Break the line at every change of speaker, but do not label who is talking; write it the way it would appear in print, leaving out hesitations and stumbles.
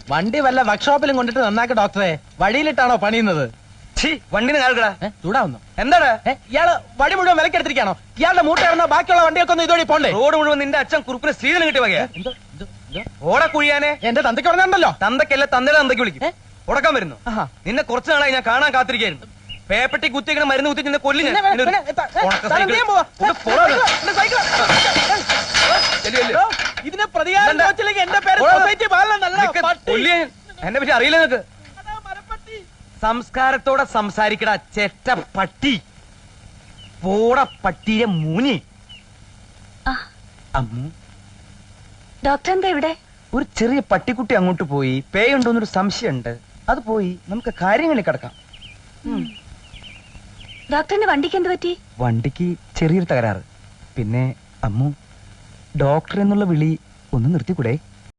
വണ്ടി വല്ല വർക്ക്ഷോപ്പിലും കൊണ്ടിട്ട് നന്നാക്ക ഡോക്ടറെ. വഴിയിലിട്ടാണോ പണിയുന്നത്?
വണ്ടിന് കാൽക്കടാ.
ചൂടാവുന്നു.
എന്താണ്
ഇയാള് വഴി മുഴുവൻ വിലക്കെടുത്തിരിക്കാണോ? ഇയാളുടെ മൂട്ട ഇറങ്ങുന്ന ബാക്കിയുള്ള വണ്ടിയൊക്കെ ഒന്ന് ഇതോടെ പോണ്ടേ?
റോഡ് മുഴുവൻ നിന്റെ അച്ഛൻ കുറുപ്പിന് സ്ത്രീധനം കിട്ടിയ വകയാ. ഓടെ കുഴിയാനെ.
എന്റെ തന്തയ്ക്ക് പറഞ്ഞുണ്ടല്ലോ.
തന്തക്കല്ല തന്തയുടെ തന്തയ്ക്ക് വിളിക്കും. ഉടക്കാൻ വരുന്നു. നിന്നെ കുറച്ചു നാളായി ഞാൻ കാണാൻ കാത്തിരിക്കായിരുന്നു. പേപ്പട്ടി കുത്തിങ്ങനെ മരുന്ന് കുത്തി നിന്നെ കൊല്ലി.
ഇതിനെ പ്രതികാരം എന്റെ പേര്
എന്നെ പറ്റി അറിയില്ല നിനക്ക്. സംസ്കാരത്തോടെ സംസാരിക്കട ചെറ്റ പട്ടി. പോട പട്ടിയെ മൂനി. അമ്മു,
ഡോക്ടർ എന്താ ഇവിടെ?
ഒരു ചെറിയ പട്ടിക്കുട്ടി അങ്ങോട്ട് പോയി. പേയുണ്ടോന്നൊരു സംശയമുണ്ട്. അത് പോയി നമുക്ക് കാര്യങ്ങളിൽ കിടക്കാം.
ഡോക്ടറിന്റെ വണ്ടിക്ക് എന്ത് പറ്റി?
വണ്ടിക്ക് ചെറിയൊരു തകരാറ്. പിന്നെ അമ്മു, ഡോക്ടർ എന്നുള്ള വിളി ഒന്ന് നിർത്തിക്കൂടെ?